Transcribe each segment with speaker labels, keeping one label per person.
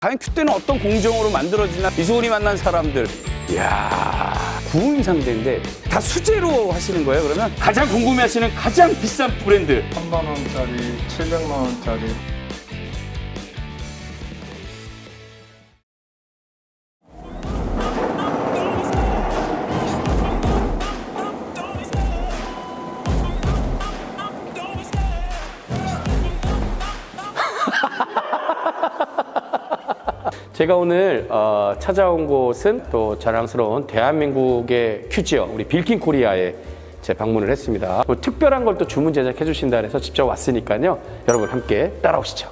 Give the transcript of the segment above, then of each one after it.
Speaker 1: 과연 큐대는 어떤 공정으로 만들어지나. 이수근이 만난 사람들, 이야, 구운 상대인데 다 수제로 하시는 거예요? 그러면 가장 궁금해하시는 가장 비싼 브랜드.
Speaker 2: 3만 원짜리, 700만 원짜리.
Speaker 1: 제가 오늘 찾아온 곳은 또 자랑스러운 대한민국의 큐지어, 우리 빌킨 코리아에 제 방문을 했습니다. 뭐 특별한 걸 또 주문 제작해 주신다 해서 직접 왔으니까요. 여러분 함께 따라오시죠.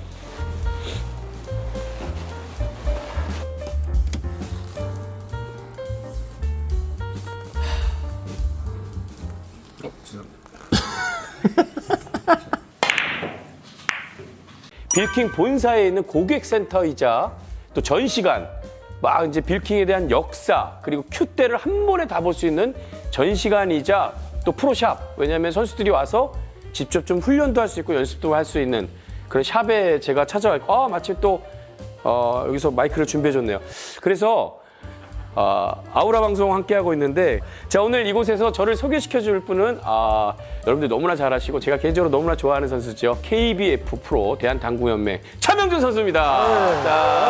Speaker 1: 빌킨 본사에 있는 고객센터이자 또 전시관, 막 이제 빌킨에 대한 역사, 그리고 큐대를 한 번에 다 볼 수 있는 전시관이자 또 프로샵. 왜냐하면 선수들이 와서 직접 좀 훈련도 할 수 있고 연습도 할 수 있는 그런 샵에 제가 찾아왔고, 마침 또 여기서 마이크를 준비해줬네요. 그래서 아우라 방송 함께하고 있는데, 자, 오늘 이곳에서 저를 소개시켜줄 분은 여러분들 너무나 잘 아시고 제가 개인적으로 너무나 좋아하는 선수죠. KBF 프로 대한당구연맹 차명준 선수입니다.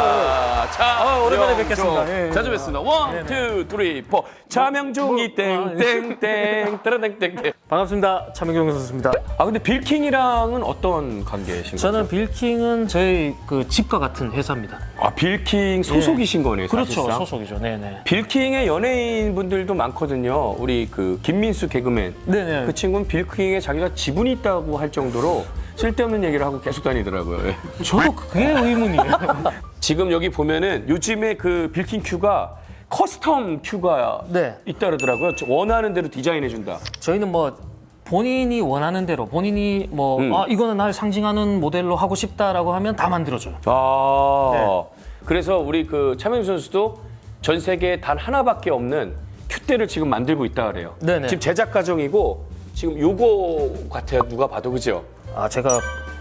Speaker 1: 자,
Speaker 3: 오랜만에 뵙겠습니다. 예,
Speaker 1: 자주 뵙습니다. 원, 투, 쓰리, 포. 차명준이 땡땡땡 따라땡땡땡.
Speaker 3: 반갑습니다. 차명경 선수입니다.
Speaker 1: 근데 빌킹이랑은 어떤 관계이신 거죠?
Speaker 3: 저는 빌킹은 저희 그 집과 같은 회사입니다.
Speaker 1: 빌킹 소속이신 거네요,
Speaker 3: 그렇죠,
Speaker 1: 사실상.
Speaker 3: 소속이죠. 네네.
Speaker 1: 빌킹의 연예인 분들도 많거든요. 우리 그 김민수 개그맨.
Speaker 3: 네네.
Speaker 1: 그 친구는 빌킹에 자기가 지분이 있다고 할 정도로 쓸데없는 얘기를 하고 계속 다니더라고요. 예.
Speaker 3: 저도 그게 의문이에요.
Speaker 1: 지금 여기 보면은 요즘에 그 빌킹 큐가 커스텀 큐가
Speaker 3: 네.
Speaker 1: 있다 그러더라고요. 원하는 대로 디자인해준다.
Speaker 3: 저희는 뭐 본인이 원하는 대로 본인이 뭐 이거는 날 상징하는 모델로 하고 싶다라고 하면 다 만들어줘요. 네.
Speaker 1: 그래서 우리 그 차명준 선수도 전 세계에 단 하나밖에 없는 큐대를 지금 만들고 있다 그래요.
Speaker 3: 네네.
Speaker 1: 지금 제작 과정이고 지금 요거 같아요. 누가 봐도, 그죠?
Speaker 3: 제가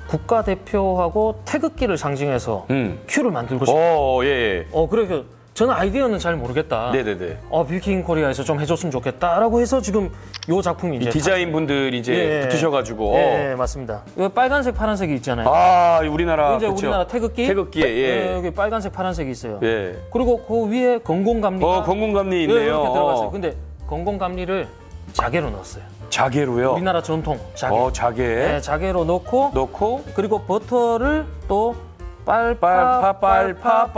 Speaker 3: 국가대표하고 태극기를 상징해서 큐를 만들고 싶어요.
Speaker 1: 예.
Speaker 3: 그래서 저는 아이디어는 잘 모르겠다.
Speaker 1: 네네네.
Speaker 3: 빌킹 코리아에서 좀 해줬으면 좋겠다라고 해서 지금 요 작품이 이제
Speaker 1: 디자인 분들이 이제 붙으셔가지고.
Speaker 3: 예, 맞습니다. 여기 빨간색, 파란색이 있잖아요.
Speaker 1: 우리나라.
Speaker 3: 이제
Speaker 1: 그쵸?
Speaker 3: 우리나라 태극기.
Speaker 1: 태극기에, 예.
Speaker 3: 여기 빨간색, 파란색이 있어요.
Speaker 1: 예.
Speaker 3: 그리고 그 위에 건공감리가
Speaker 1: 건공감리 있네요.
Speaker 3: 이렇게 들어갔어요. 근데 건공감리를 자개로 넣었어요.
Speaker 1: 자개로요?
Speaker 3: 우리나라 전통 자개.
Speaker 1: 자개.
Speaker 3: 네, 자개로 넣고 그리고 버터를 또 빨파로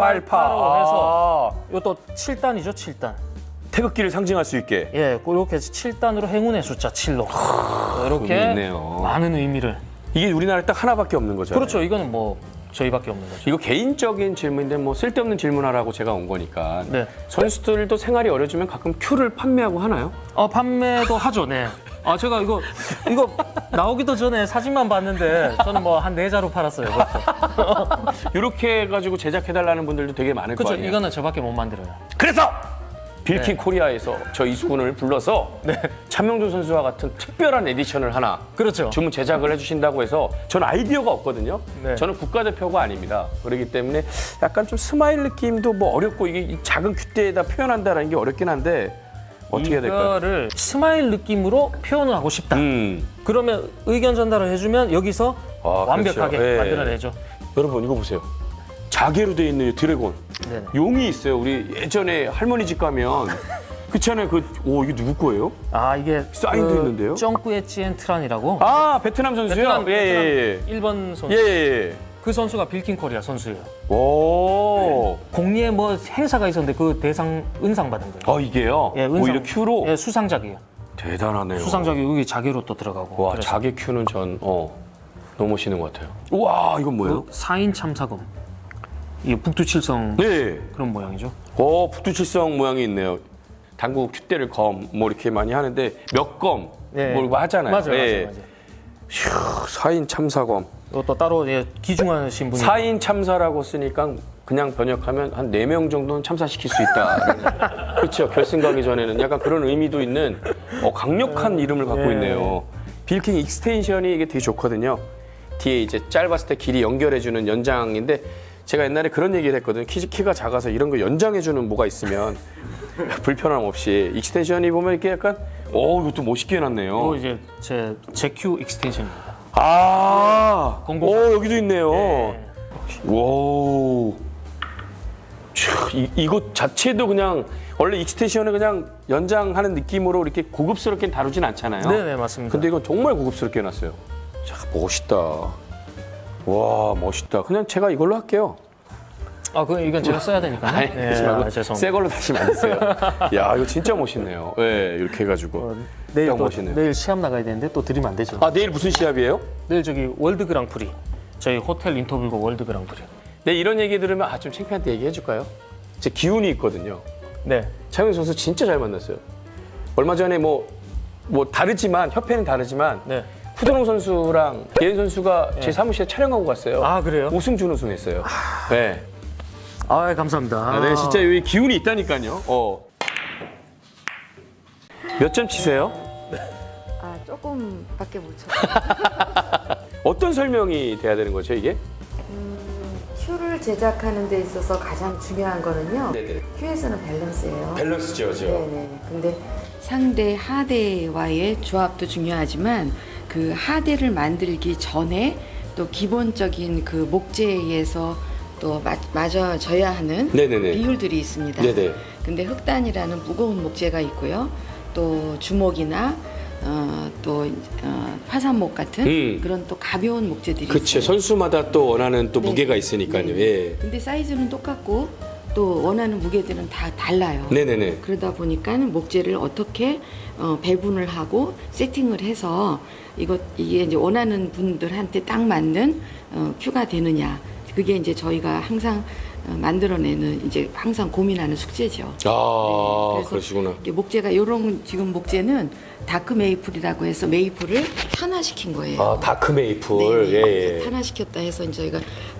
Speaker 3: 해서 이것도 7단이죠, 7단.
Speaker 1: 태극기를 상징할 수 있게.
Speaker 3: 예, 이렇게 7단으로 행운의 숫자 7로 이렇게
Speaker 1: 의미 있네요.
Speaker 3: 많은 의미를.
Speaker 1: 이게 우리나라에 딱 하나밖에 없는 거죠.
Speaker 3: 그렇죠. 이거는 뭐 저희밖에 없는 거죠.
Speaker 1: 이거 개인적인 질문인데 뭐 쓸데없는 질문하라고 제가 온 거니까.
Speaker 3: 네.
Speaker 1: 선수들도 생활이 어려지면 가끔 큐를 판매하고 하나요?
Speaker 3: 판매도 하죠, 네. 제가 이거 나오기도 전에 사진만 봤는데 저는 뭐 한 4자루 팔았어요.
Speaker 1: 이렇게 해가지고 제작해달라는 분들도 되게 많을 거
Speaker 3: 그렇죠.
Speaker 1: 아니에요.
Speaker 3: 이거는 저밖에 못 만들어요.
Speaker 1: 그래서 빌킨 코리아에서 저 이수근을 불러서 차명준 선수와 같은 특별한 에디션을 하나
Speaker 3: 그렇죠.
Speaker 1: 주문 제작을 해주신다고 해서 저는 아이디어가 없거든요.
Speaker 3: 네.
Speaker 1: 저는 국가대표가 아닙니다. 그렇기 때문에 약간 좀 스마일 느낌도 뭐 어렵고 이게 이 작은 큐대에다 표현한다는 게 어렵긴 한데 어떻게 해야 될까요?
Speaker 3: 이거를 스마일 느낌으로 표현을 하고 싶다. 그러면 의견 전달을 해주면 여기서 완벽하게
Speaker 1: 그렇죠. 예.
Speaker 3: 만들어내죠.
Speaker 1: 여러분 이거 보세요. 자개로 돼 있는 이 드래곤.
Speaker 3: 네네.
Speaker 1: 용이 있어요. 우리 예전에 할머니 집 가면 그렇잖아요. 이게 누구 거예요?
Speaker 3: 이게
Speaker 1: 사인도 있는데요?
Speaker 3: 쩡꾸에치엔 트란이라고
Speaker 1: 베트남 선수요?
Speaker 3: 베트남
Speaker 1: 예.
Speaker 3: 1번 선수.
Speaker 1: 예.
Speaker 3: 그 선수가 빌킨 코리아 선수예요.
Speaker 1: 오.
Speaker 3: 공리에 뭐 행사가 있었는데 그 대상 은상 받은 거예요.
Speaker 1: 이게요?
Speaker 3: 예, 은상.
Speaker 1: 오히려 큐로?
Speaker 3: 예, 수상작이에요.
Speaker 1: 대단하네요.
Speaker 3: 수상작이 여기 자개로 또 들어가고.
Speaker 1: 와,
Speaker 3: 그래서
Speaker 1: 자개 큐는 전 너무 멋있는 것 같아요. 우와, 이건 뭐예요?
Speaker 3: 4인 참사검. 이게 북두칠성
Speaker 1: 네.
Speaker 3: 그런 모양이죠.
Speaker 1: 북두칠성 모양이 있네요. 당구 큐대를 뭐 이렇게 많이 하는데 몇 검
Speaker 3: 네.
Speaker 1: 뭐 하잖아요.
Speaker 3: 맞아요.
Speaker 1: 휴, 4인 참사검.
Speaker 3: 이것도 따로 기중하신 분이
Speaker 1: 4인 참사라고 쓰니까 그냥 번역하면 한 4명 정도는 참사시킬 수 있다. 그렇죠. 결승 가기 전에는 약간 그런 의미도 있는 강력한 이름을 갖고 있네요. 빌킹 익스텐션이 이게 되게 좋거든요. 뒤에 이제 짧았을 때 길이 연결해주는 연장인데 제가 옛날에 그런 얘기를 했거든요. 키가 작아서 이런 거 연장해주는 뭐가 있으면 불편함 없이 익스텐션이 보면 이렇게 약간 이것도 멋있게 해놨네요.
Speaker 3: 이거 이제 제 제큐 익스텐션입니다.
Speaker 1: 여기도 있네요.
Speaker 3: 네.
Speaker 1: 와, 이것 자체도 그냥 원래 익스텐션을 그냥 연장하는 느낌으로 이렇게 고급스럽게 다루진 않잖아요.
Speaker 3: 네네 맞습니다.
Speaker 1: 근데 이건 정말 고급스럽게 해놨어요. 자, 멋있다. 와, 멋있다. 그냥 제가 이걸로 할게요.
Speaker 3: 이건 제가 써야 되니까요.
Speaker 1: 아니, 그러지 말고
Speaker 3: 죄송합니다.
Speaker 1: 새 걸로 다시 만드세요. 야, 이거 진짜 멋있네요. 네, 이렇게 해가지고.
Speaker 3: 내일
Speaker 1: 딱
Speaker 3: 또
Speaker 1: 멋있네요.
Speaker 3: 내일 시합 나가야 되는데 또 드리면 안 되죠.
Speaker 1: 내일 무슨 시합이에요?
Speaker 3: 내일 저기 월드 그랑프리. 저희 호텔 인터뷰가 월드 그랑프리.
Speaker 1: 네, 이런 얘기 들으면 좀 창피한데 얘기해 줄까요? 제 기운이 있거든요.
Speaker 3: 네.
Speaker 1: 차영민 선수 진짜 잘 만났어요. 얼마 전에 뭐 다르지만 협회는 다르지만
Speaker 3: 네.
Speaker 1: 후드롱 선수랑 예은 선수가 제 사무실에 촬영하고 갔어요.
Speaker 3: 그래요?
Speaker 1: 우승 준우승했어요. 네.
Speaker 3: 감사합니다.
Speaker 1: 네, 진짜 여기 기운이 있다니까요. 몇 점 치세요?
Speaker 4: 조금밖에 못 쳤어요.
Speaker 1: 어떤 설명이 돼야 되는 거죠, 이게?
Speaker 4: 큐를 제작하는 데 있어서 가장 중요한 거는요.
Speaker 1: 네네.
Speaker 4: 큐에서는 밸런스예요.
Speaker 1: 밸런스죠,
Speaker 4: 네네. 근데 상대 하대와의 조합도 중요하지만 그 하대를 만들기 전에 또 기본적인 그 목재에서 또 맞아져야 하는
Speaker 1: 네네네.
Speaker 4: 비율들이 있습니다.
Speaker 1: 네네.
Speaker 4: 근데 흑단이라는 무거운 목재가 있고요. 또 주먹이나 화산목 같은 그런 또 가벼운 목재들이
Speaker 1: 그렇죠.
Speaker 4: 있어요.
Speaker 1: 선수마다 또 원하는 또
Speaker 4: 네.
Speaker 1: 무게가 있으니까요.
Speaker 4: 네.
Speaker 1: 예.
Speaker 4: 근데 사이즈는 똑같고 또 원하는 무게들은 다 달라요.
Speaker 1: 네네네.
Speaker 4: 그러다 보니까 목재를 어떻게 배분을 하고 세팅을 해서 이게 이제 원하는 분들한테 딱 맞는 큐가 되느냐. 그게 이제 저희가 항상 만들어내는 이제 항상 고민하는 숙제죠. 그래서
Speaker 1: 그러시구나.
Speaker 4: 이게 목재가 이런 지금 목재는 다크 메이플이라고 해서 메이플을 탄화시킨 거예요.
Speaker 1: 다크 메이플.
Speaker 4: 네,
Speaker 1: 예.
Speaker 4: 탄화시켰다 해서 저희가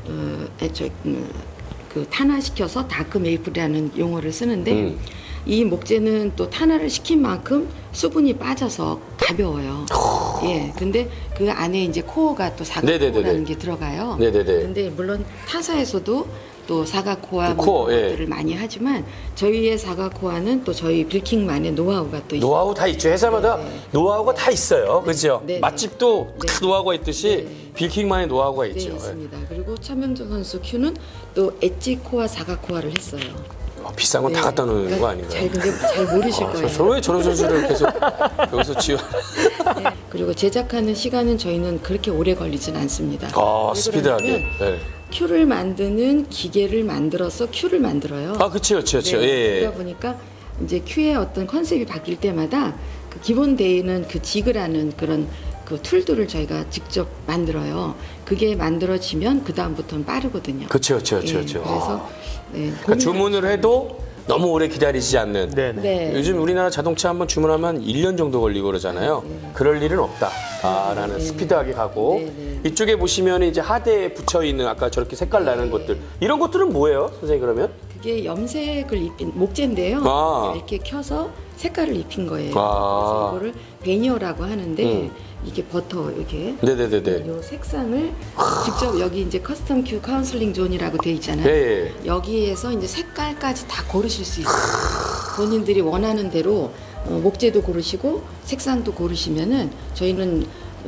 Speaker 4: 그 탄화시켜서 다크 메이플이라는 용어를 쓰는데 이 목재는 또 탄화를 시킨 만큼 수분이 빠져서 가벼워요. 예. 근데 그 안에 이제 코어가 또 사각코어라는 게 들어가요.
Speaker 1: 네네네.
Speaker 4: 근데 물론 타사에서도 또 사각코어
Speaker 1: 코어,
Speaker 4: 것들을 많이 하지만 저희의 사각코어는 또 저희 빌킹만의 노하우가 또 있어요.
Speaker 1: 노하우 다 있죠. 회사마다 노하우가 다 있어요. 그죠?
Speaker 4: 네.
Speaker 1: 맛집도
Speaker 4: 네.
Speaker 1: 다 노하우가 있듯이 빌킹만의 노하우가
Speaker 4: 네,
Speaker 1: 있죠. 예.
Speaker 4: 있습니다. 그리고 차명정 선수 큐는 또 엣지 코어 사각코어를 했어요.
Speaker 1: 비싼 건 다 갖다 놓는 거 아닌가요?
Speaker 4: 근데 잘 모르실 거예요.
Speaker 1: 왜 저런 선수를 계속 여기서 지원?
Speaker 4: 네. 그리고 제작하는 시간은 저희는 그렇게 오래 걸리진 않습니다. 왜
Speaker 1: 스피드하게.
Speaker 4: 그러냐면
Speaker 1: 네.
Speaker 4: 큐를 만드는 기계를 만들어서 큐를 만들어요.
Speaker 1: 그렇죠.
Speaker 4: 네,
Speaker 1: 예.
Speaker 4: 그러다 보니까 이제 큐의 어떤 컨셉이 바뀔 때마다 그 기본 데이는 그 지그라는 그런 그 툴들을 저희가 직접 만들어요. 그게 만들어지면 그 다음부터는 빠르거든요.
Speaker 1: 그렇죠.
Speaker 4: 예, 그래서
Speaker 1: 그러니까 주문을 해도 너무 오래 기다리지 않는.
Speaker 3: 네.
Speaker 4: 네.
Speaker 1: 요즘 우리나라 자동차 한번 주문하면 1년 정도 걸리고 그러잖아요. 그럴 일은 없다라는 스피드하게 가고 이쪽에 보시면 이제 하대에 붙여 있는 아까 저렇게 색깔 나는 것들 이런 것들은 뭐예요, 선생님 그러면?
Speaker 4: 그게 염색을 입힌 목재인데요. 이렇게 켜서 색깔을 입힌 거예요. 그래서 이거를 베니어라고 하는데 이게 버터 이렇게
Speaker 1: 네네네네.
Speaker 4: 이 색상을 직접 여기 이제 커스텀 큐 카운슬링 존이라고 돼 있잖아요.
Speaker 1: 예.
Speaker 4: 여기에서 이제 색깔까지 다 고르실 수 있어요. 본인들이 원하는 대로 목재도 고르시고 색상도 고르시면은 저희는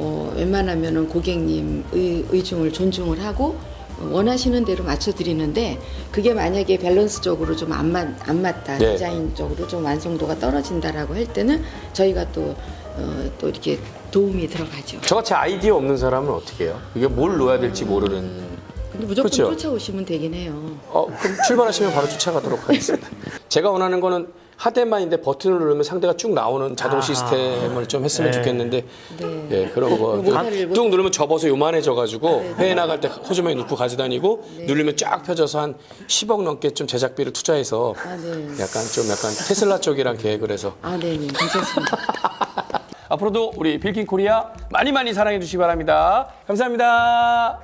Speaker 4: 웬만하면은 고객님 의중을 존중을 하고 원하시는 대로 맞춰드리는데 그게 만약에 밸런스적으로 좀 안 맞다
Speaker 1: 네.
Speaker 4: 디자인적으로 좀 완성도가 떨어진다라고 할 때는 저희가 또 이렇게 도움이 들어가죠.
Speaker 1: 저같이 아이디어 없는 사람은 어떻게 해요? 이게 뭘 넣어야 될지 모르는.
Speaker 4: 근데 무조건
Speaker 1: 그렇죠?
Speaker 4: 쫓아오시면 되긴 해요.
Speaker 1: 그럼 출발하시면 바로 쫓아가도록 하겠습니다. 제가 원하는 거는 하대만인데 버튼을 누르면 상대가 쭉 나오는 자동 시스템을 좀 했으면 좋겠는데
Speaker 4: 네.
Speaker 1: 예, 그런 거.
Speaker 4: 모델을
Speaker 1: 뚝 누르면 접어서 요만해져가지고 회에 나갈 때 호주머니 넣고 가져다니고 누르면 쫙 펴져서 한 10억 넘게 좀 제작비를 투자해서
Speaker 4: 네.
Speaker 1: 약간 테슬라 쪽이랑 계획을 해서
Speaker 4: 네, 괜찮습니다.
Speaker 1: 앞으로도 우리 빌킹 코리아 많이 많이 사랑해 주시기 바랍니다. 감사합니다.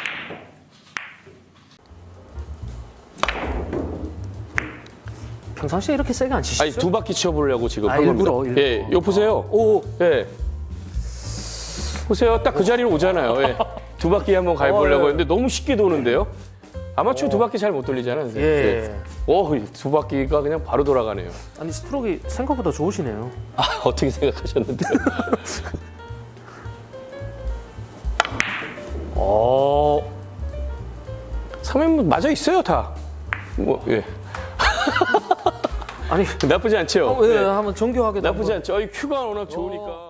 Speaker 3: 평상시에 이렇게 세게 안 치시죠?
Speaker 1: 아니 두 바퀴 치워보려고 지금 한
Speaker 3: 일부러,
Speaker 1: 겁니다.
Speaker 3: 일부러.
Speaker 1: 예, 요 보세요. 예. 보세요. 딱 그 자리로 오잖아요. 예. 두 바퀴 한번 가보려고
Speaker 3: 예.
Speaker 1: 했는데 너무 쉽게 도는데요. 아마추어 두 바퀴 잘 못 돌리잖아요. 선생님.
Speaker 3: 예.
Speaker 1: 두 바퀴가 그냥 바로 돌아가네요.
Speaker 3: 아니 스트로크 생각보다 좋으시네요.
Speaker 1: 아, 어떻게 생각하셨는데요? 선배님 맞아 있어요 다. 뭐 예.
Speaker 3: 아니
Speaker 1: 나쁘지 않죠.
Speaker 3: 예, 한번 정교하게
Speaker 1: 나쁘지 않죠. 이 큐가 워낙 좋으니까.